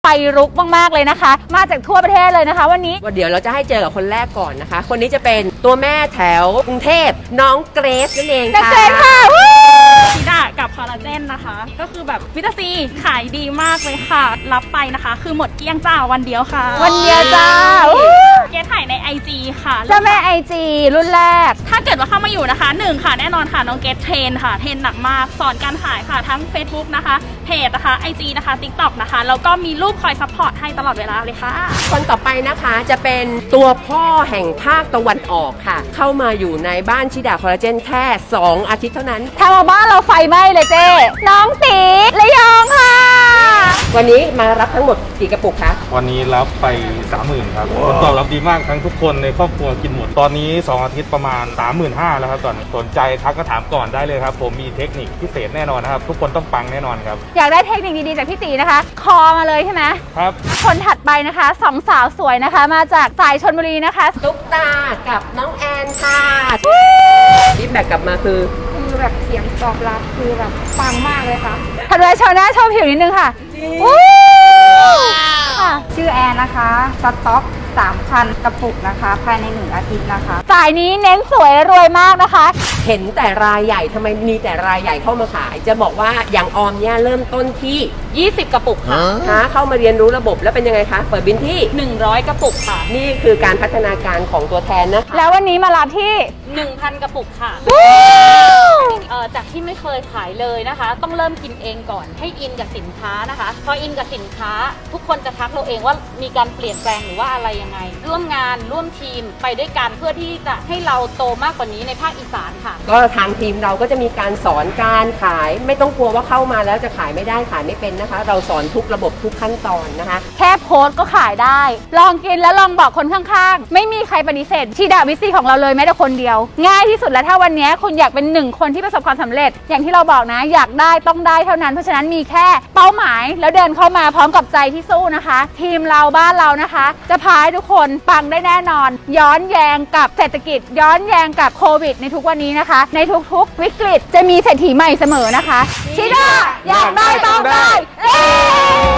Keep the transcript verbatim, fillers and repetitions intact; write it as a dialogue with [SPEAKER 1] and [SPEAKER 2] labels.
[SPEAKER 1] ไฟรุกมากๆเลยนะคะมาจากทั่วประเทศเลยนะคะวันนี้
[SPEAKER 2] ว่าเดี๋ยวเราจะให้เจอกับคนแรกก่อนนะคะคนนี้จะเป็นตัวแม่แถวกรุงเทพน้องเกรซนั่นเองค่ะ
[SPEAKER 1] เกรซค่ะ
[SPEAKER 3] ชิดากับคอลลาเจนนะคะก็คือแบบวิตาซีขายดีมากเลยค่ะรับไปนะคะคือหมดเกลี้ยงจ้าวันเดียวค่ะ
[SPEAKER 1] วันเดียวจ้า
[SPEAKER 3] เกรซถ่ายใน ไอ จี ค่ะ
[SPEAKER 1] เจ้าแม่ ไอ จี รุ่นแรก
[SPEAKER 3] ถ้าเกิดว่าเข้ามาอยู่นะคะหนึ่งค่ะแน่นอนค่ะน้องเกรซเทรนค่ะเทรนหนักมากสอนการขายค่ะทั้ง Facebook นะคะเพจนะคะ ไอ จี นะคะ TikTok นะคะแล้วก็มีรูปคอยซัพพอร์ตให้ตลอดเวลาเลยค่ะ
[SPEAKER 2] คนต่อไปนะคะจะเป็นตัวพ่อแห่งภาคตะวันออกค่ะเข้ามาอยู่ในบ้านชิดาคอลลาเจนแค่สองอาทิตย์เท่านั้น
[SPEAKER 1] ทำเอาบ้านเราไฟไหม้เลยเจ้น้องตีระยองค่ะ
[SPEAKER 2] วันนี้มารับทั้งหมดกี่กระปุกคะ
[SPEAKER 4] วันนี้รับไป สามหมื่น ครับผลตอบรับดีมากทั้งทุกคนในครอบครัวกินหมดตอนนี้สองอาทิตย์ประมาณ สามหมื่นห้าพัน แล้วครับตอนนี้สนใจทักก็ถามก่อนได้เลยครับผมมีเทคนิคพิเศษแน่นอนนะครับทุกคนต้องปังแน่นอนครับ
[SPEAKER 1] อยากได้เทคนิคดีๆจากพี่ตีนะคะคอมาเลยใช่ไหม
[SPEAKER 4] ครับ
[SPEAKER 1] คนถัดไปนะคะสองสาวสวยนะคะมาจากสายชลบุรีนะคะ
[SPEAKER 2] ตุ๊กตากับน้องแอนค่ะฟีดแบ็กกลับมาคือ
[SPEAKER 5] คือแบบเสียงตอบรับคือแบบฟังมากเลยค่ะ
[SPEAKER 1] ถัดไปโชว์หน้าโชว์ผิวนิดนึงค่ะ
[SPEAKER 5] ชื่อแอนนะคะสต็อกสามพันกระปุกนะคะภายในหนึ่งอาทิตย์นะคะ
[SPEAKER 1] สายนี้เน้นสวยรวยมากนะคะ
[SPEAKER 2] เห็นแต่รายใหญ่ทำไมมีแต่รายใหญ่เข้ามาขายจะบอกว่าอย่างออมเนี่ยเริ่มต้นที่
[SPEAKER 3] ยี่สิบกระปุกค่ะ
[SPEAKER 2] นะเข้ามาเรียนรู้ระบบแล้วเป็นยังไงคะเปิดบินที่
[SPEAKER 3] หนึ่งร้อยกระปุกค่ะ
[SPEAKER 2] นี่คือการพัฒนาการของตัวแทนนะ
[SPEAKER 1] แล้ววันนี้มารับที่
[SPEAKER 3] หนึ่งพัน กระปุกค่ะเอ่อจากที่ไม่เคยขายเลยนะคะต้องเริ่มกินเองก่อนให้อินกับสินค้านะคะพออินกับสินค้าทุกคนจะทักเราเองว่ามีการเปลี่ยนแปลงหรือว่าอะไรยังไงร่วมงานร่วมทีมไปด้วยกันเพื่อที่จะให้เราโตมากกว่านี้ในภาคอีสานค่ะ
[SPEAKER 2] ก็ทางทีมเราก็จะมีการสอนการขายไม่ต้องกลัวว่าเข้ามาแล้วจะขายไม่ได้ขายไม่เป็นนะคะเราสอนทุกระบบทุกขั้นตอนนะคะ
[SPEAKER 1] แค่โพสต์ก็ขายได้ลองกินแล้วลองบอกคนข้างๆไม่มีใครปฏิเสธชีดาวิซีของเราเลยแม้แต่คนเดียวง่ายที่สุดแล้วถ้าวันนี้คุณอยากเป็นหนึ่งคนที่ประสบความสำเร็จอย่างที่เราบอกนะอยากได้ต้องได้เท่านั้นเพราะฉะนั้นมีแค่เป้าหมายแล้วเดินเข้ามาพร้อมกับใจที่สู้นะคะทีมเราบ้านเรานะคะจะพาให้ทุกคนปังได้แน่นอนย้อนแยงกับเศรษฐกิจย้อนแยงกับโควิดในทุกวันนี้นะคะในทุกๆวิกฤตจะมีเศรษฐีใหม่เสมอนะคะชิดาอยากได้ต้องได้